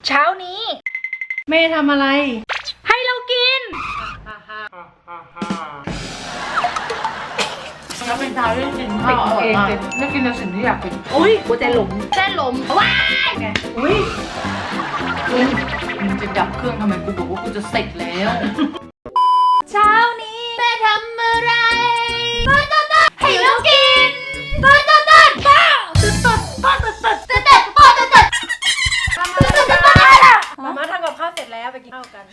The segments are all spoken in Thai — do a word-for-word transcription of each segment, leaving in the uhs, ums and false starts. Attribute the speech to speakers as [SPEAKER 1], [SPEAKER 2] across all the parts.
[SPEAKER 1] เช้านี้แม่ทำอะไรให้เรากิน
[SPEAKER 2] แล้วเป็นเช้าที่กินข้าวอร่อยมากไม่กินในสิ่งที่อยากกิน
[SPEAKER 1] อุ้ยหัวใจหลง
[SPEAKER 2] เส้นลมว้ายไงอุ้ยมึงจะดับเครื่องทำไมกูบอกว่ากูจะเสร็จแล้ว
[SPEAKER 1] เช้านี้
[SPEAKER 2] แม่ทำอะไรต้นต้นต้นให้เรากินต้นต้นต้นป้าต้นต้นป้าต้นต้นต้นต้นป้าต้นต้น
[SPEAKER 1] มาม่าทำกับข้าวเสร็จแล้วไปกินข้าวกัน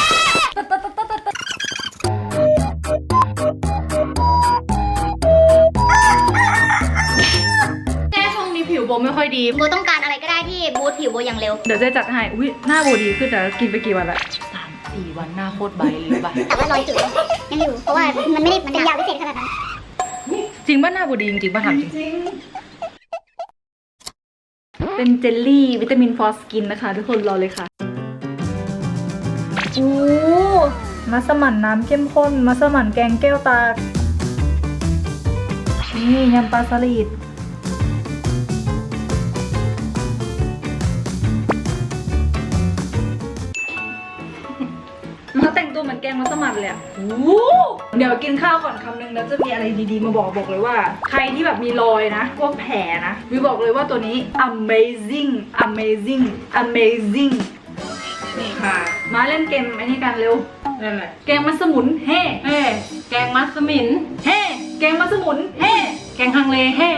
[SPEAKER 2] แม่ช่วงนี้ผิวโบไม่ค่อยดี
[SPEAKER 3] โบต้องการอะไรก็ได้ที่บูทผิวโบอย่างเร็ว
[SPEAKER 1] เดี๋ยวจะจัดให้อุ้ยหน้าโบดีขึ้นแต่กินไปกี่วันละ
[SPEAKER 2] สามสี่วันหน้าโคตรใบเลยป่ะ
[SPEAKER 3] แต่ว่ารอยจุดยังอยู่เพราะว่ามันไม่ได้มันเป็นยาวพิเศษขนาดนั้น
[SPEAKER 1] จริงป่ะหน้าโบดีจริงป่ะถามจริงเป็นเจลลี่วิตามินฟอสกินนะคะทุกคนรอเลยค่ะโอ้มัสมั่นน้ำเข้มข้นมัสมั่นแกงแก้วตานี่ยำปลาสลิดมาแต่งตัวเหมือนแกงมัสมั่นเลยอ่ะโอ้เดี๋ยวกินข้าวก่อนคำนึงแล้วจะมีอะไรดีๆมาบอกบอกเลยว่าใครที่แบบมีรอยนะพวกแผลนะวิวบอกเลยว่าตัวนี้ amazing amazing amazing นี่ค่ะมาเล่นเกมไอ้นี่กันเร็วเล่นอะไรแกงมัสมุนเฮ่เฮ่แกงมัสมินเฮ่แกงมัสมุนเฮ่แกงฮังเลเฮ่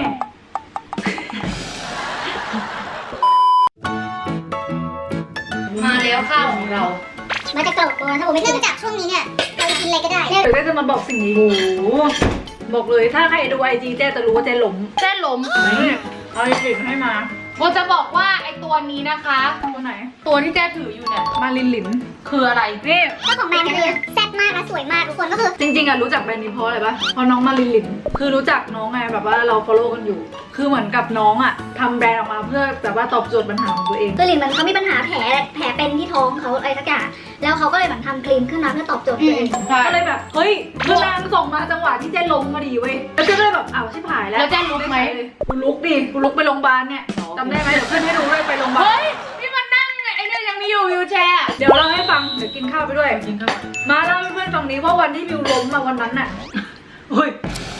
[SPEAKER 2] มาแล้วข้าวของเรา
[SPEAKER 3] มาจากกล่องตัวถ้าผมไม่เริ่มจากช่วงนี้เนี่ยเราจะกินอะไรก็ได้
[SPEAKER 1] เดี๋ยวจะมาบอกสิ่งนี้โอ้บอกเลยถ้าใครดูไอจีเจ๊จะรู้ว่าเจ๊หลง
[SPEAKER 2] เส้นลม
[SPEAKER 1] เอาไอจีให้มา
[SPEAKER 2] โบจะบอกว่าไอตัวนี้นะคะ
[SPEAKER 1] ตัวไหน
[SPEAKER 2] ตัวที่แจ้ถืออยู่เนี่ย
[SPEAKER 1] มาลินหลิน
[SPEAKER 2] คืออะไร
[SPEAKER 1] นี่
[SPEAKER 3] เจ้าของแบรนด์คือแซ่บมากและสวยมากทุกคนก็คือ
[SPEAKER 1] จริงๆอะรู้จักแบรนด์นี้เพราะอะไรปะเพราะน้องมาลินหลินคือรู้จักน้องไงแบบว่าเรา follow กันอยู่คือเหมือนกับน้องอะทำแบรนด์ออกมาเพื่อแบบว่าตอบโจทย์ปัญหาของตัวเอง
[SPEAKER 3] คือลินมันเขามีปัญหาแผลแผลเป็นที่ท้องเขาอะไรสักอย่างแล้วเขาก็เลยเหมือนทำครีมขึ้นมาเพื่อตอบโจทย์ตัวเอง
[SPEAKER 1] ก็เลยแบบเฮ้ยคือนางส่งมาจังหวะที่เจ๊ล้มมาดีเว้ยแล้วเจ๊ก็เลยแบบอ้าวชิบหายแล้ว
[SPEAKER 2] แล้วเจ๊ลุกไหม
[SPEAKER 1] กูลุกดิกูลุกไปโรงพยาบาลเนี่ยจำได้ไหมเดี๋ยวเพื่อนให้ดูด้วยไปโรงพยาบาล
[SPEAKER 2] เฮ้ยนี่มันนั่งไอ้นี่ยังมีอยู่วิวแชร์
[SPEAKER 1] เดี๋ยวเราให้ฟังเดี๋ยวกินข้าวไปด้วยกินข้าวมาเล่าให้เพื่อนฟังนี้ว่าวันที่วิวล้มมาวันนั้นน่ะเฮ้ย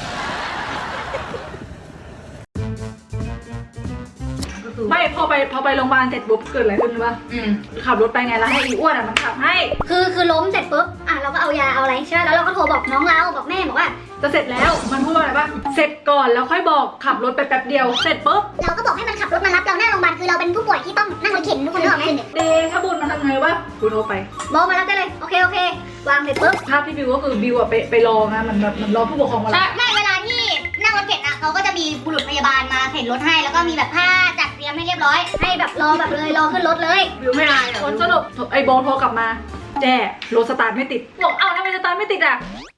[SPEAKER 1] ไม่พอไปพอไปโรงพยาบาลเสร็จปุ๊บเกิดอะไรขึ้นวะขับรถไปไงแล้วให้อีอ้วนอ่ะมันขับให้
[SPEAKER 3] คือคือล้มเสร็จปุ๊บอ่ะเราก็เอายาเอาอะไรใช่ไหมแล้วเราก็โทรบอกน้องเราบอกแม่บอกว่า
[SPEAKER 1] จะเสร็จแล้วมันพูดว่าอะไรปะเสร็จก่อนแล้วค่อยบอกขับรถไปแป๊บเดียวเสร็จปุ๊บ
[SPEAKER 3] เราก็บอกให้มันขับรถมารับเราหน้าโรงพยาบาลคือเราเป็นผู้ป่วยที่ต้องนั่งรถเข็นทุกคนนึกออกไหม
[SPEAKER 1] เดถ้าบุญมันทำไงวะกูโทรไป
[SPEAKER 3] บอกมารับได้เลยโอเคโอเควางเสร็จปุ๊บ
[SPEAKER 1] ภาพที่บิวก็คือบิวอะไปไปรอนะมันแบบมันรอผู้ปกครองมา
[SPEAKER 3] รับไม่เวลาที่นั่งรถเข็นอะเขาก็จะมีบุรุษพยาบาลมาเข็นรถให้แล้วก็มีแบบผ้าจัดเตรียมให้เรียบร้อยให้แบบรอแบบเลยรอขึ้นรถเลย
[SPEAKER 1] บิวไม่อายผลสรุปไอโบโทรกลับมาแจ้รถสตาร์ทไม่ติดบอกเอ้าทำไมสตาร์ทไม่ติดอะ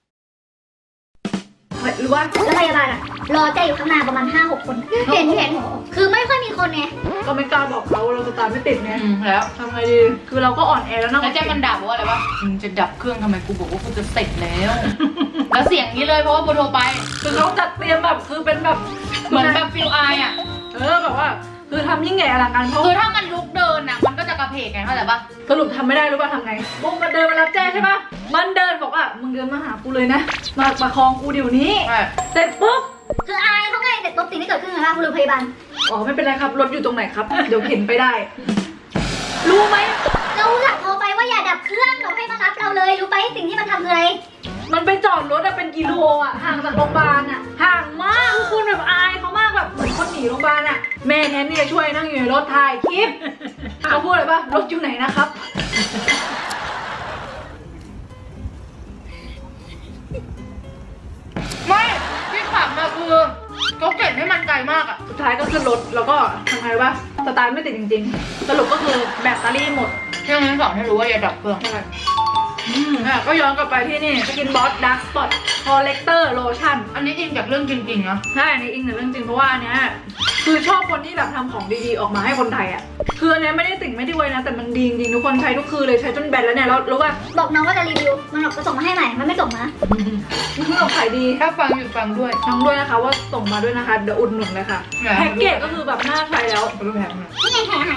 [SPEAKER 1] หรือว่า
[SPEAKER 3] แล้วพยาบาลอะรอแจ้อยู่ข้างหน้าประมาณ ห้าหก คนเห็นเห็นคือไม่ค่อยมีคนไง
[SPEAKER 1] ก็ไม่กล้าบอกเขาเราสตาร์ทไม่ติดไง
[SPEAKER 2] แล้ว
[SPEAKER 1] ทำไงดีคือเราก็อ่อนแอแล้วนะ
[SPEAKER 2] แล้วแจ้มันด่าว่าอะไรวะมึงจะดับเครื่องทำไมกูบอกว่ากูจะเสร็จแล้วแล้วเสียงนี้เลยเพราะว่าโบโทรไป
[SPEAKER 1] คือเขาจัดเตรียมแบบคือเป็นแบบ
[SPEAKER 2] เหมือนแบบฟิลไออ่ะ
[SPEAKER 1] เออแบบว่าคือทำยิ่งใหญ่อลังการเพราะ
[SPEAKER 2] คือถ้ามันลุกเดินอ่ะมันก็จะกระเพกไงเข้าใจปะ
[SPEAKER 1] สรุปทำไม่ได้รู้ป่ะทำไงบุ้งมันเดินมารับแจ้ใช่ป่ะมันเดินบอกว่ามึงเดินมาหากูเลยนะมาประคองกูเดี๋ยวนี้เสร็จปุ๊บ
[SPEAKER 3] คืออายเขาไงเสร็จปุ๊บสิ่งที่เกิดขึ้นคืออะไรบุรุษพยาบาล
[SPEAKER 1] อ๋อไม่เป็นไรครับรถอยู่ตรงไหนครับเดี๋ยวเข็นไปได้รู้ไหม
[SPEAKER 3] เราหลักโทรไปว่าอย่าดับเครื่องเราให้มารับเราเลยรู้ไปสิ่งที่มันทำคืออะไร
[SPEAKER 1] มันไปจอดรถอะเป็นกิโลอะห่างจากโรงพยาบาลอะห่างมากทุกคนแบบอายเขามากแบบเหมือนคนหนีโรงพยาบาลอะแม่แทนที่จะช่วยนั่งอยู่ในรถถ่ายคลิปเขาพูดอะไรป่ะรถอยู่ไหนนะครับ
[SPEAKER 2] ไม่ที่ขับมาคือเขาเก็บให้มันไกลมากอะ
[SPEAKER 1] สุดท้ายก็ขึ้นรถแล้วก็ทำไงวะสตาร์ทไม่ติดจริงๆสรุปก็คือแบตเตอรี่หมด
[SPEAKER 2] ที่งั้นสอนให้รู้ว่าอย่าดับเครื่อง
[SPEAKER 1] อืมอ่ะก็ย้อนกลับไปที่นี่สกินบอสดาร์กสปอตคอลเลกเตอร์โลชั่น
[SPEAKER 2] อันนี้อิงจากเรื่องจริงๆนะ
[SPEAKER 1] ใช่อันนี้อิงจากเรื่องจริงเพราะว่าอันเนี้ยคือชอบคนที่แบบทำของดีๆออกมาให้คนไทยอ่ะคืออันเนี้ยไม่ได้ติ่งไม่ได้ไว้นะแต่มันดีจริงทุกคนใช้ทุกคืนเลยใช้จนแบนแล้วเนี่ยแล้วรู้ป่ะ
[SPEAKER 3] บอกน้องว่าจะรีวิวมันบอกจะส่งมาให้ใหม่มันไม่ส่งมา
[SPEAKER 1] มันคือขายดี
[SPEAKER 2] ถ้าฟังอยู่ฟังด้วย
[SPEAKER 1] น้องด้วยนะคะว่าส่งมาด้วยนะคะเดี๋ยวอุดหนุนเลยค่ะแพ็กเกจก็คือแบบน่าใช้แล้ว
[SPEAKER 3] นี่ไงแถมอาหารแล้ว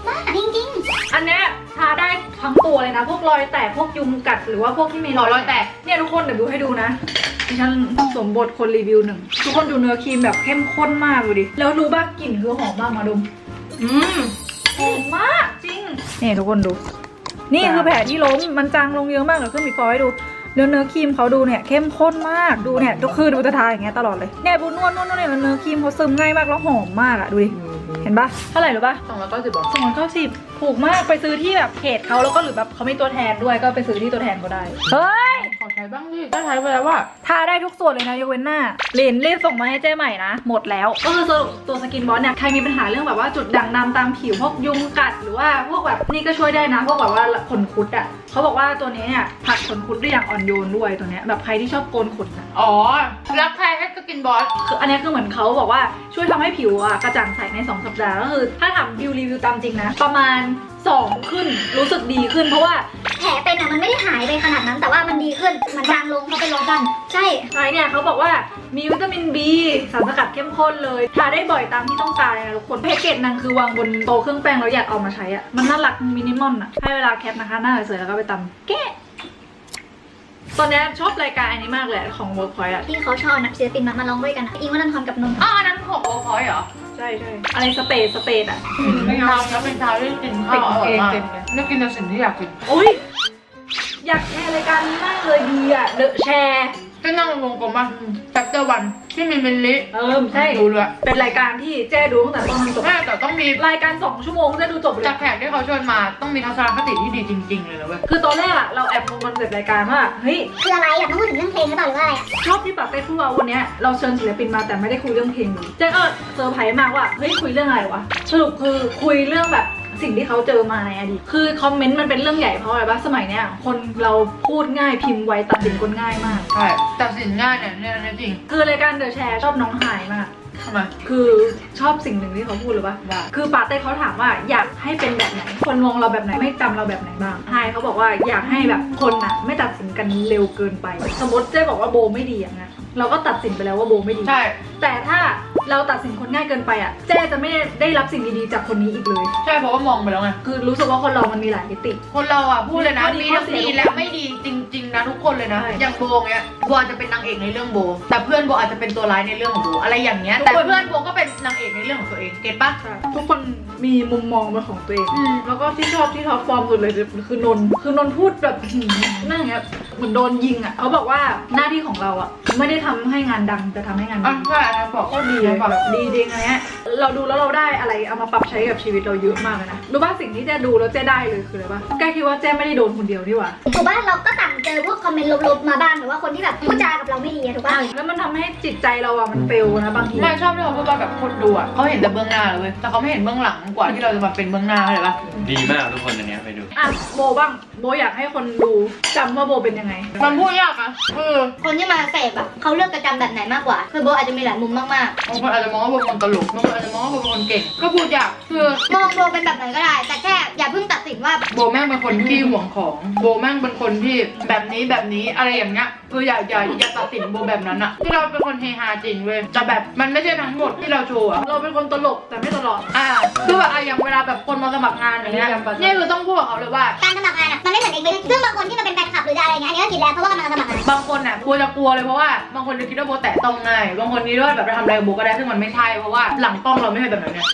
[SPEAKER 3] มากจริง
[SPEAKER 1] อันเนี้ยทาได้ทั้งตัวเลยนะ พวกรอยแตกพวกยุงกัดหรือว่าพวกที่มีรอย
[SPEAKER 2] รอยแตก
[SPEAKER 1] เนี่ยทุกคนเดี๋ยวดูให้ดูนะดิฉันสวมบทคนรีวิวหนึ่งทุกคนดูเนื้อครีมแบบเข้มข้นมากดูดิแล้วรู้ป่ะกลิ่นคือหอมมากมาดม
[SPEAKER 2] อืม
[SPEAKER 1] หอมมากจริงนี่ทุกคนดู นี่คือแผลที่ล้มมันจางลงเยอะมากเดี๋ยวขึ้นบีฟอร์ให้ดูเนื้อเนื้อครีมเขาดูเนี่ยเข้มข้นมากดูเนี่ยก็คือดูจะทาอย่างเงี้ยตลอดเลยเนี่ยบูนวดนวดนวดเนี่ยแล้วเนื้อครีมเขาซึมง่ายมากแล้วหอมมากอะดูดิเห็นปะเท่าไหร่หรือปะ
[SPEAKER 2] สองร้อยเก้าสิบบาท
[SPEAKER 1] สองร้อยเก้าสิบถูกมากไปซื้อที่แบบเพจเขาแล้วก็หรือแบบเขามีตัวแทนด้วยก็ไปซื้อที่ตัวแทนก็ได้เฮ้ย
[SPEAKER 2] ขอใช้บ้างดิได้ใช้ไปแล้วว่า
[SPEAKER 1] ทาได้ทุกส่วนเลยนะยกเว้นหน้าเลนรีบส่งมาให้เจ๊ใหม่นะหมดแล้วก็คือสรุปตัวสกินบอสเนี่ยใครมีปัญหาเรื่องแบบว่าจุดด่างดำตามผิวพวกยุงกัดหรือว่าพวกแบบนี่ก็ช่วยได้นะพวกแบบว่าขนคุดอ่ะเขาบอกว่าตัวนี้เนี่ยผัดขนคุดได้อย่างอ่อนโยนด้วยตัวเนี้ยแบบใครที่ชอบโกนขนนะ
[SPEAKER 2] อ๋อรักใครให้สกินบอส
[SPEAKER 1] คืออันนี้คือเหมือนเขาบอกว่าช่วยทำให้ผิวอ่ะกระจ่างใสในสองสัปดาห์ก็คือถ้าทำบิวรีวิวตามจริงนะประมาณสองขึ้นรู้สึกดีขึ้นเพราะว่า
[SPEAKER 3] ๆแผลเป็นอ่ะมันไม่ได้หายไปขนาดนั้นแต่ว่ามันดีขึ้นมันจางลงเพราะเป็นลมกันใช่
[SPEAKER 1] ไอ้เนี่ยเขาบอกว่ามีวิตามิน B สารสกัดเข้มข้นเลยทาได้บ่อยตามที่ต้องการเลยนะทุกคนแพ็กเกจนางคือวางบนโต๊ะเครื่องแป้งแล้วอยากเอามาใช้อะมันน่ารักมินิมอลอะให้เวลาแคปนะคะหน้าสวยๆแล้วก็ไปตำแกะตอนนี้ชอบรายการอันนี้มากเลยของ Workpoint อะ
[SPEAKER 3] ที่เขาชอบนักศิลปินมามาร้องด้วยกันอะอิงวัฒนธรรมกับนนท์
[SPEAKER 2] อ๋ออันนั้นของโอคอยเหรอ
[SPEAKER 1] ใช่ใช่อะไรสเตทสเตทอะ
[SPEAKER 2] เป็นชาวแล้วเป็นชาวที่กินข้าวอร่อยมากนี่กินแต่สิ่งที่อยากกิน
[SPEAKER 1] โอ้ยอยากแชร์รายการนี้มากเลยดีอะเดอะแชร์
[SPEAKER 2] ก็นั่งวงกลมป่ะแจ็คเตอร์วันที่มีมิลลิ
[SPEAKER 1] เออใช่
[SPEAKER 2] ดูเลย
[SPEAKER 1] เป็นรายการที่เจ๊ดูตั้งแต่ต้นจนจบ
[SPEAKER 2] แม่แต่ต้องมี
[SPEAKER 1] รายการสองชั่วโมงเจ๊ดูจบเลย
[SPEAKER 2] จากแขกที่เขาชวนมาต้องมีทัศนคติที่ดีจริงๆเลยนะเว้ย
[SPEAKER 1] คือตอนแรกอะเราแอบงงคอนเซ็ปต์รายการว่าเฮ้ย
[SPEAKER 3] คืออะไรอยากพูดถึงเรื่องเพลงหรือเปล่าหรือว่าอะไรอะ
[SPEAKER 1] ชอบที่ปากเต้พูดว่าวันเนี้ยเราเชิญศิลปินมาแต่ไม่ได้คุยเรื่องเพลงเลยเจ๊ก็เซอร์ไพรส์มากว่าเฮ้ยคุยเรื่องอะไรวะสรุปคือคุยเรื่องแบบสิ่งที่เขาเจอมาในอดีตคือคอมเมนต์มันเป็นเรื่องใหญ่เพราะอะไรปะสมัยเนี้ยคนเราพูดง่ายพิมพ์ไวตัดสินคนง่ายมาก
[SPEAKER 2] ใช่ตัดสินง่ายเนี่ยเนี่ยเนี่ยจริง
[SPEAKER 1] คือรายการเดอะแชร์ชอบน้องไฮายมาก
[SPEAKER 2] ทำไม
[SPEAKER 1] คือชอบสิ่งหนึ่งที่เขาพูดเลยว่า
[SPEAKER 2] ว่า
[SPEAKER 1] คือปาเต้เขาถามว่าอยากให้เป็นแบบไหนคนมองเราแบบไหนไม่จำเราแบบไหนบ้างไฮายเขาบอกว่าอยากให้แบบคนอะไม่ตัดสินกันเร็วเกินไป สมมติเจ๊บอกว่าโบไม่ดีอย่างเงี้ยเราก็ตัดสินไปแล้วว่าโบไม่ดี
[SPEAKER 2] ใช่
[SPEAKER 1] แต่ถ้าเราตัดสินคนง่ายเกินไปอ่ะเจ๊จะไม่ได้รับสิ่งดีๆจากคนนี้อีกเลย
[SPEAKER 2] ใช่เพราะว่ามองไปแล้วไง
[SPEAKER 1] คือรู้สึกว่าคนเรามันมีหลายมิติ
[SPEAKER 2] คนเราอ่ะพูดเลยนะ
[SPEAKER 1] มี
[SPEAKER 2] มี
[SPEAKER 1] ข้อ
[SPEAKER 2] ทั้ง
[SPEAKER 1] เสีย
[SPEAKER 2] ดีและไม่ดีจริง ๆนะทุกคนเลยนะ
[SPEAKER 1] ใช่
[SPEAKER 2] อย่างโบเงี้ยโบอาจจะเป็นนางเอกในเรื่องโบ แต่เพื่อนโบอาจจะเป็นตัวร้ายในเรื่องของโบอะไรอย่างเงี้ยแต่เพื่อนโบก็เป็นนางเอกในเรื่องของตัวเองเก็ตปะ
[SPEAKER 1] ใช่ทุกคนมีมุมมองเป็นของตัวเอง
[SPEAKER 2] อืม
[SPEAKER 1] แล้วก็ที่ชอบที่ท็อปฟอร์มสุดเลยคือนนท์คือนนท์พูดแบบหืมนั่งอย่างเงี้ยเหมือนโดนยิงอ่ะเขาบอกว่าหน้าที่ของเราอ่ะไม่ได้ทำให้งานดังแต่ทำให้งาน
[SPEAKER 2] อ่ะ
[SPEAKER 1] ดี
[SPEAKER 2] ใช่อันนั้นบอก
[SPEAKER 1] ก็ดี
[SPEAKER 2] เล
[SPEAKER 1] เลย ย
[SPEAKER 2] บอก
[SPEAKER 1] แบบดีจริงอันเนี้ยเราดูแล้วเราได้อะไรเอามาปรับใช้กับชีวิตเราเยอะมากเลยนะรู้ป่ะสิ่งที่เจ๊ดูแล้วเจ๊ได้เลยคืออะไรป่ะแกคิดว่าเจ๊ไม่ได้โดนคนเดียวนี่หว่า
[SPEAKER 3] ถูกป่ะเราก็ต่างเจอพวกคอมเมนต์ลบๆมาบ้างหรือว่าคนที่แบบพูดจากับเราไม่ดีอะถูกป่ะ
[SPEAKER 1] แล้วมันทำให้จิตใจเราอะมันเฟลนะบางที
[SPEAKER 2] ไม่ชอบที่เขาพูดว่าแบบคนดูอ่ะเขาเห็นแต่เบื้องหน้าเลยเว้ยแต่เขาไม่เห็นเบื้องหลังกว่าที่เราจะมาเป็นเบื้องหน้าเข้าใจปะ
[SPEAKER 4] ดีมากทุกคนอันเนี้ยไปดู
[SPEAKER 1] อ่ะโบบ้างโบอยากให้คนดูจำว่าโบเป็นยังไง
[SPEAKER 2] มันพูดยากนะคือ
[SPEAKER 3] คนที่มาเสพอะเขาเลือกจะจำแบบไหนมากกว่าคือโบอาจจะมีหลายมุมมาก
[SPEAKER 2] บางคนอาจจะมองว่าโบเป็นคนตลกบางคนอาจจะมองว่าโบเป็นคนเก่งก็พูดยากคือ
[SPEAKER 3] ๆมองโบเป็นแบบไหนก็ได้ แต่แค่อย่าเพิ่งตัดสินว่า
[SPEAKER 2] โบแม่งเป็นคนที่ห่วงของโบแม่งเป็นคนที่แบบนี้แบบนี้อะไรอย่างเงี้ยคืออย่าอย่าอย่าตัดสินโบแบบนั้นอะที่เราเป็นคนเฮฮาจริงเว้ยแต่แบบมันไม่ใช่ทั้งหมดที่เราโชว์อะ
[SPEAKER 1] เราเป็นคนตลกแต่ไม่ตลอด
[SPEAKER 2] อ่าคือแบบอ่ะอย่างเวลาแบบคนมาสมัครงานอย่างเงี้ยนี่คือต้องพูดกับเขาเลยว่า
[SPEAKER 3] การสมัครงานอะมันไม่เหมือนเองเลยซึ่งบางคนที่มันเป็นแฟนคลับหรืออะไรอย่างเงี้ยอันนี้ก็ผิดแล้วเพราะว่ากำลังสมัครงาน
[SPEAKER 2] บางคนอ่ะกลัวจะกลัวเลยเพราะว่าบางคนจะคิดว่าโบแตะต้องง่ายบางคนคิดว่าแบบจะทำอะไรกับโบก็ได้ซึ่งมันไม่ใช่เพราะว่าหลังกล้องเราไม่ใช่แบบนั้นเนี่ย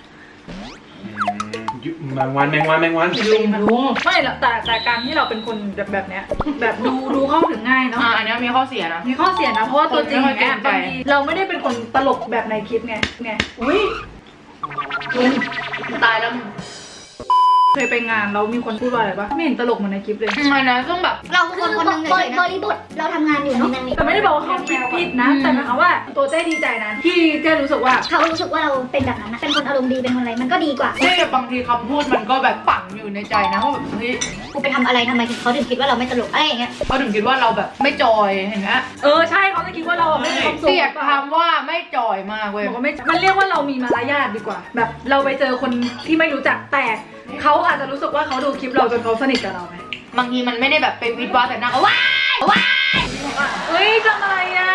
[SPEAKER 4] แมงวันแมงวันแมงวัน
[SPEAKER 1] ลุงลุงไม่หรอกแต่แต่การที่เราเป็นคนแบบแบบเนี้ยแบบดูดูเข้าถึงง่ายเนาะ
[SPEAKER 2] อ่าอันนี้มีข้อเสียนะ
[SPEAKER 1] มีข้อเสียนะเพราะว่าตัวจริง
[SPEAKER 2] คนไม่ค่อยเกร
[SPEAKER 1] เนี่ย
[SPEAKER 2] งใจ
[SPEAKER 1] บางทีเราไม่ได้เป็นคนตลกแบบในคลิปไงไงอุ้ยลุง
[SPEAKER 2] ตายแล้ว
[SPEAKER 1] เคยไปงานแล้วมีคนพูดว่าอะไรปะไม่เห็นตลกเหมือนในคลิปเลย
[SPEAKER 2] อันนั้นซึ่งแบบ
[SPEAKER 3] เราคือคนคนหนึงเลยนะบริบทเราทำงานอยู่เนาะ
[SPEAKER 1] แต่ไม่ได้บอกว่าเขาคิดผิดนะ แต่หมายความว่าตัวเจ้ดีใจนะที่เจ้รู้สึกว่า
[SPEAKER 3] เขารู้สึกว่าเราเป็นแบบนั้นนะเป็นคนอารมณ์ดีเป็นคนอะไรมันก็ดีกว่า
[SPEAKER 2] นี่บางทีคำพูดมันก็แบบฝังอยู่ในใจนะว่าแบบเฮ้ย
[SPEAKER 3] กูไปทำอะไรทำไมเขาถึงคิดว่าเราไม่ตลกอะไรอย่างเงี้ย
[SPEAKER 2] เขาถึงคิดว่าเราแบบไม่จอยเห็นไหม
[SPEAKER 1] เออใช่เขาจะคิดว่าเราอะไม่มีความสุข
[SPEAKER 2] เกลียดคำว่าไม่จอยมากเว้ย
[SPEAKER 1] บอกว่าไม่มันเรียกว่าเรามีมารยาทดีกว่า แบบเราไปเจอคนที่ไม่รู้จักแต่เขาอาจจะรู้สึกว่าเขาดูคลิปเราจนเขาสนิทกับเราไง
[SPEAKER 2] บางทีมันไม่ได้แบบไปวิดว้าแต่หน้าเขาว้ายว้าย
[SPEAKER 1] เฮ้ยทำอะไรอ่ะ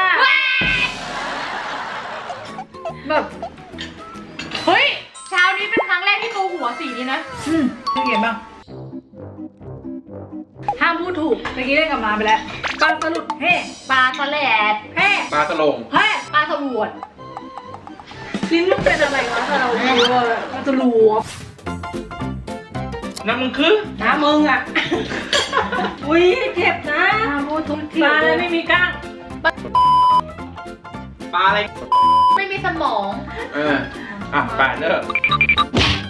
[SPEAKER 1] แบบ
[SPEAKER 2] เฮ้ยเช้านี้เป็นครั้งแรกที่เขาหัวสีนี้นะ
[SPEAKER 1] อืมเป็นไงบ้างห้ามพูดถูกเมื่อกี้เล่นกับมาไปแล้วปลาสลุดเฮ้
[SPEAKER 2] ปลาสแลด
[SPEAKER 1] เฮ้
[SPEAKER 4] ปลาตะลง
[SPEAKER 1] เฮ้
[SPEAKER 2] ปลาสวด
[SPEAKER 1] ลิ้นมันเป็นอะไรวะเราดูว่าปลาสลุด
[SPEAKER 4] น้ำมึงคือ
[SPEAKER 1] น้ามึงอ่ะ อุ้ยเจ็บนะ
[SPEAKER 2] ห้ามพูดทุกที
[SPEAKER 1] ปลาอะไรไม่มีกล้าง
[SPEAKER 4] ปลาอะไร
[SPEAKER 2] ไม่มีสมอง
[SPEAKER 4] เอออ่ะปลาเลิก